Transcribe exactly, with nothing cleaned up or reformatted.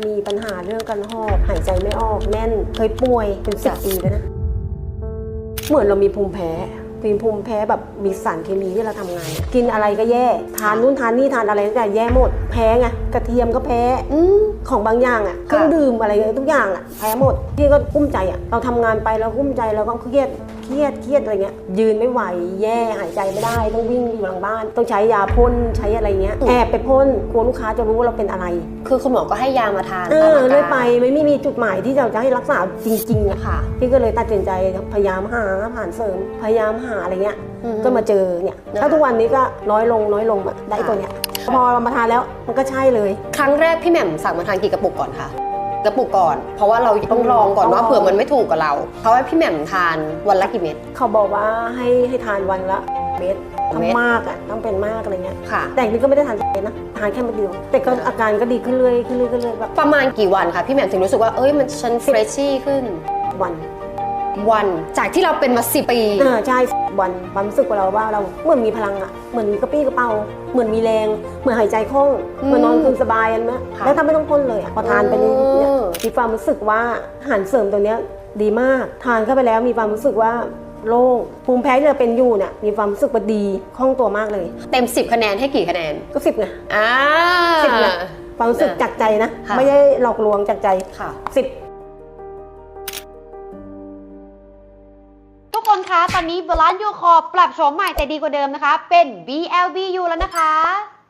มีปัญหาเรื่องการหอบหายใจไม่ออกแน่นเคยป่วยเป็นสิบปีแล้วนะเหมือนเรามีภูมิแพ้เป็นภูมิแพ้แบบมีสารเคมีที่เราทำงานกินอะไรก็แย่ทานนู่นทานนี่ทานอะไรก็แย่หมดแพ้ไงกระเทียมก็แพ้อของบางอย่างอ่ะเครื่องดื่มอะไรทุกอย่างอ่ะแพ้หมดพี่ก็กุ้มใจอ่ะเราทำงานไปเรากุ้มใจเราก็เครียดเครียดเครียดอะไรเงี้ยยืนไม่ไหวแย่หายใจไม่ได้ต้องวิ่งอยู่หลังบ้านต้องใช้ยาพ่นใช้อะไรเงี้ยแอบไปพ่นกลัวลูกค้าจะรู้ว่าเราเป็นอะไรคือคุณหมอก็ให้ยามาทานเออเลยไปไม่มีจุดหมายที่จะให้รักษาจริงๆอะค่ะพี่ก็เลยตัดสินใจพยายามหาผ่านเสริมพยายามหาอะไรเงี้ยก็มาเจอเนี่ยถ้าทุกวันนี้ก็น้อยลงน้อยลงแบบได้ตัวเนี้ยพอเรามาทานแล้วมันก็ใช่เลยครั้งแรกพี่แหม่มสั่งมาทานกี่กระปุกก่อนคะกระปุกก่อนเพราะว่าเราต้องลองก่อนว่าเผื่อมันไม่ถูกกับเราเขาให้พี่แหม่มทานวันละกี่เม็ดเขาบอกว่าให้ให้ทานวันละเม็ดทำมากอ่ะต้องเป็นมากอะไรเงี้ยแต่นี่ก็ไม่ได้ทานเม็ดนะทานแค่เม็ดเดียวแต่ก็อาการก็ดีขึ้นเรื่อยขึ้นเรื่อยขึ้นเรื่อยแบบประมาณกี่วันคะพี่แหม่มถึงรู้สึกว่าเอ้ยมันฉันเฟรชชี่ขึ้นวันวันจากที่เราเป็นมาสิบปีอ่าใช่วันความรู้สึกของเราว่าเราเหมือนมีพลังอ่ะเหมือนมีกระปี้กระเป๋าเหมือนมีแรงเหมือนหายใจคล่องเหมือนนอนคืนสบายนะแล้วถ้าไม่ต้องพ่นเลยพอทานไปนี่มีความรู้สึกว่าอาหารเสริมตัวเนี้ยดีมากทานเข้าไปแล้วมีความรู้สึกว่าโล่งภูมิแพ้ที่เราเป็นอยู่เนี่ยมีความรู้สึกว่าดีคล่องตัวมากเลยเต็มสิบคะแนนให้กี่คะแนนก็สิบไงอ่าสิบนะความรู้สึกจากใจนะไม่ได้หลอกลวงจากใจสิบทุกคนคะตอนนี้ Balance Your Core ปรับโฉมใหม่แต่ดีกว่าเดิมนะคะเป็น บี แอล บี ยู แล้วนะคะ